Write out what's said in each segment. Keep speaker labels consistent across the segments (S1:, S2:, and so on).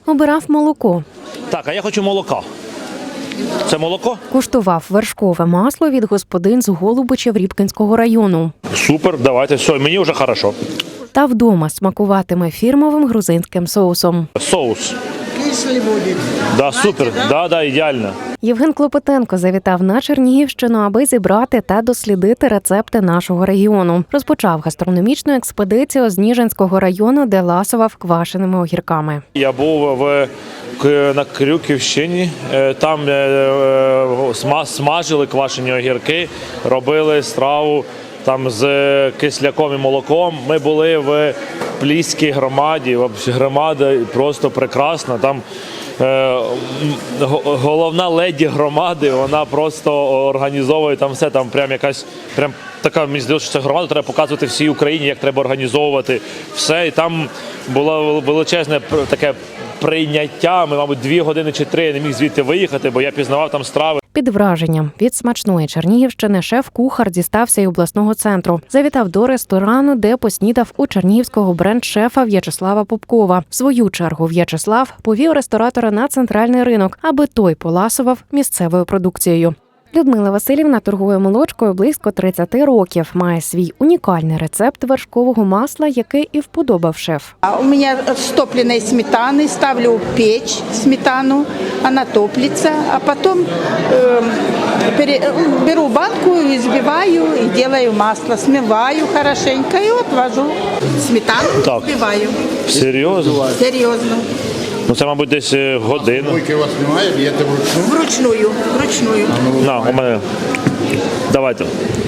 S1: Обирав молоко.
S2: Так, а я хочу молока. Це молоко?
S1: Куштував вершкове масло від господин з Голубичів Рібкінського району.
S2: Супер, давайте, все, мені вже хорошо.
S1: Та вдома смакуватиме фірмовим грузинським соусом.
S2: Соус.
S3: Кислый будет.
S2: Да, супер, да, ідеально.
S1: Євген Клопотенко завітав на Чернігівщину, аби зібрати та дослідити рецепти нашого регіону. Розпочав гастрономічну експедицію з Ніжинського району, де ласував квашеними огірками.
S2: Я був на Крюківщині, там смажили квашені огірки, робили страву там з кисляком і молоком. Ми були в Пліській громаді, громада просто прекрасна. Там головна леді громади, вона просто організовує там все, там прям якась, прям така, мені здається, що цю громаду треба показувати всій Україні, як треба організовувати все. І там було величезне таке прийняття, ми, мабуть, 2 години чи 3 я не міг звідти виїхати, бо я пізнавав там страви.
S1: Під враженням від смачної Чернігівщини шеф-кухар дістався й обласного центру. Завітав до ресторану, де поснідав у чернігівського бренд-шефа В'ячеслава Попкова. В свою чергу В'ячеслав повів ресторатора на центральний ринок, аби той поласував місцевою продукцією. Людмила Василівна торгує молочкою близько 30 років. Має свій унікальний рецепт вершкового масла, який і вподобав шеф.
S3: У меня с топленой сметаны ставлю в печь сметану, она топлится, а потом беру банку, избиваю и делаю масло, смываю хорошенько и отвожу сметану,
S2: Так.
S3: взбиваю.
S2: Серйозно?
S3: Серьезно.
S2: Ну це, мабуть, десь годину.
S4: Мойки у вас немає, б'єте вручну?
S3: Вручную.
S2: На, у мене. Давайте.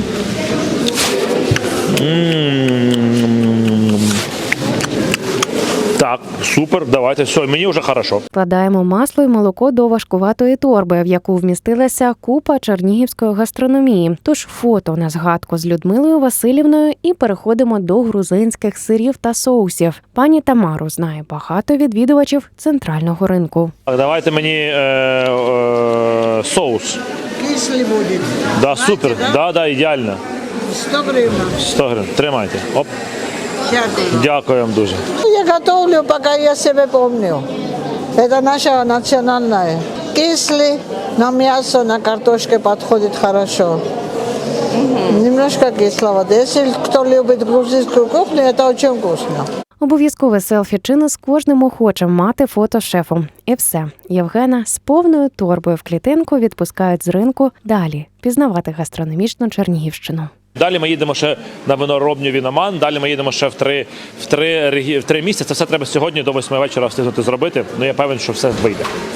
S2: Так, супер, давайте, все, мені вже хорошо.
S1: Вкладаємо масло і молоко до важкуватої торби, в яку вмістилася купа чернігівської гастрономії. Тож фото на згадку з Людмилою Василівною і переходимо до грузинських сирів та соусів. Пані Тамару знає багато відвідувачів центрального ринку.
S2: Так, давайте мені соус.
S3: Кислый будет.
S2: Да, супер, да, ідеально.
S3: 100 гривен.
S2: 100 гривень, тримайте. Оп,
S3: Дякую.
S2: дякую вам дуже.
S5: Я готовлю, пока я себя помню. Это наша национальная. Кислый, на мясо, на картошке подходит хорошо. Немножко кисловато. Если кто любит грузинскую кухню, это очень вкусно.
S1: Обов'язкове селфі чину з кожним охочим мати фото з шефом. І все. Євгена з повною торбою в клітинку відпускають з ринку далі пізнавати гастрономічну Чернігівщину.
S2: Далі ми їдемо ще на виноробню Віноман, далі ми їдемо ще в три місця. Це все треба сьогодні до 8 вечора встигнути зробити. Ну, я певен, що все вийде.